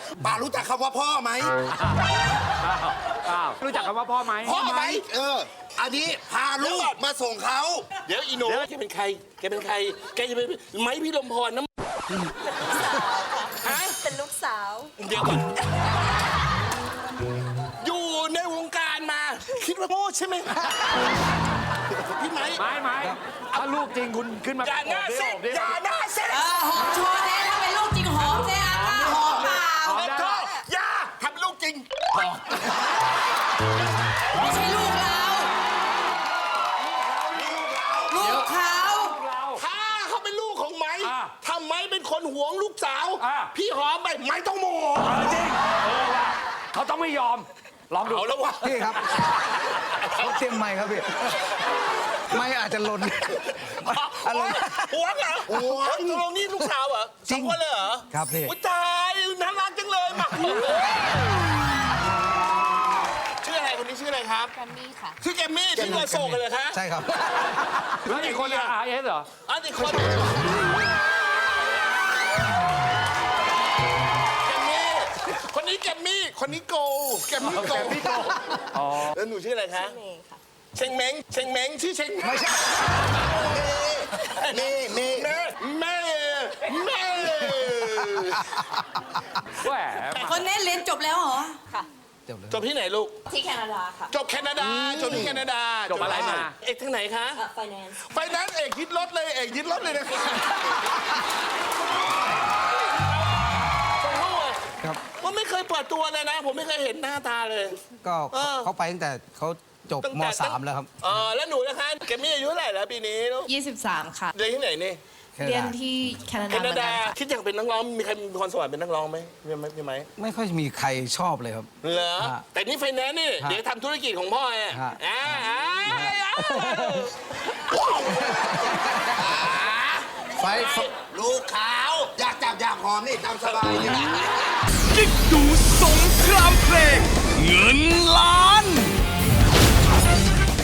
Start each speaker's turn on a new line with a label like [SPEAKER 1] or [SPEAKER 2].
[SPEAKER 1] ป้ารู้จักคำว่าพ่อไหม
[SPEAKER 2] รู้จักคำว่าพ่อไหม
[SPEAKER 1] พ่อไหมอันนี้พาลูกมาส่งเขา
[SPEAKER 3] เดี๋ยวอีโน่แกเป็นใครแกเป็นใครแกจะเป็นไม้พี่ลมพรนะฮะ
[SPEAKER 4] เป็นลูกสาว
[SPEAKER 3] เดี๋ยวก่อนอยู่ในวงการมา คิดว่าโง่ใช่ไหมพี่ไม้
[SPEAKER 2] ไม่ถ้าลูกจริงคุณขึ้นมา
[SPEAKER 3] อย่าหน้าเซ็ตอย่าหน้าเซ็ต
[SPEAKER 4] หอมโชว์เนี่ยถ้าเป็นลูกจริงหอมเนี่ยหอมเปล่า
[SPEAKER 3] โทษอย่าทำลูกจริง
[SPEAKER 4] ไม่ใช่ลูกเรา ลูกเขา
[SPEAKER 3] ถ้าเขาเป็นลูกของไม้ถ้าไม้เป็นคนหวงลูกสาว พี่หอมไปไม้ต้องโมโห
[SPEAKER 2] จริงว่ะเขาต้องไม่ยอมลองดู
[SPEAKER 3] เอาแล้ววะ
[SPEAKER 5] พี่ครับเขาเตรียมไม้ครับพี่ไม่อาจจะหล่นอะไร
[SPEAKER 3] หวงเหรอหวงตกลงนี่ลูกสาวเหรอ
[SPEAKER 5] จริง
[SPEAKER 3] สอคนเลยเหรอ
[SPEAKER 5] ครับพี่
[SPEAKER 3] อุ๊ยตายน่ารักจังเลยมาชื่ออะไรคนนี้ชื่ออะไรครับ
[SPEAKER 4] แกรมมี่ค่ะ
[SPEAKER 3] ชื่อแกมมี่ชื่ออโศกกันเลยคะ
[SPEAKER 5] ใช่ครับ
[SPEAKER 2] แล้วอีกคนอะRS เหรอ
[SPEAKER 3] อันนี้คนแกมมี่คนนี้แกมมี่คนนี้โกแกมมี่โกแล้วหนูชื่ออะไรคะ
[SPEAKER 4] เมย์ค่ะ
[SPEAKER 3] เชงเม้งเชงเม้งชื่อเชง
[SPEAKER 5] ไม่ใช่
[SPEAKER 1] เม่เม่
[SPEAKER 3] แม่แม่แม่
[SPEAKER 2] แหม
[SPEAKER 4] คนนี้เรียนจบแล้วเหรอ ค่ะ
[SPEAKER 5] เดี๋ยวเลย
[SPEAKER 3] จบที่ไหนลูก
[SPEAKER 4] ที่แคนาดาค่ะ
[SPEAKER 3] จบแคนาดาจบที่แคนาดา
[SPEAKER 2] จบอะไรมา
[SPEAKER 3] เอกทางไหนคะ
[SPEAKER 4] ไฟแนนซ์
[SPEAKER 3] ไฟนั้นเอกยึดรถเลยเอกยึดรถเลยนะคะขอโทษ
[SPEAKER 5] ครับ
[SPEAKER 3] ว่าไม่เคยเปิดตัวเลยนะ ผมไม่เคยเห็นหน้าตาเลย
[SPEAKER 5] ก็
[SPEAKER 3] เออ
[SPEAKER 5] เขาไปตั้งแต่เขาจบม .3 แล้วครับ
[SPEAKER 3] แล้วหนูนะคะแกมี่อายุเท่าไหร่แล้วปีนี้ลูก
[SPEAKER 6] 23 ค่ะ
[SPEAKER 3] เรียนที่ไหนนี่
[SPEAKER 5] แค่
[SPEAKER 6] เรียน
[SPEAKER 5] นั้น
[SPEAKER 6] ที่แคนา
[SPEAKER 3] แค
[SPEAKER 6] ดาเหมื
[SPEAKER 3] นา
[SPEAKER 6] อนกั
[SPEAKER 3] ดาน
[SPEAKER 6] ค่ะ
[SPEAKER 3] คิดอยากเป็นนักร้องมีใครมีพรสวรรค์เป็นนักร้องไหมมีไหม
[SPEAKER 5] ไม่ค่อยมีใครชอบเลยครับ
[SPEAKER 3] เหรอ
[SPEAKER 5] ฮะ
[SPEAKER 3] แต่นี่ไฟแนนซ์นี่
[SPEAKER 5] ฮะ
[SPEAKER 3] เดี๋ยวทำธุรกิจของพ่อเนี่ย
[SPEAKER 5] ฮะ ไฟ
[SPEAKER 1] ลูกขาว อยากจับอยากหอมนี่ตามสบายเลย
[SPEAKER 7] กิ๊กดูสงครามเพลงเงินล้าน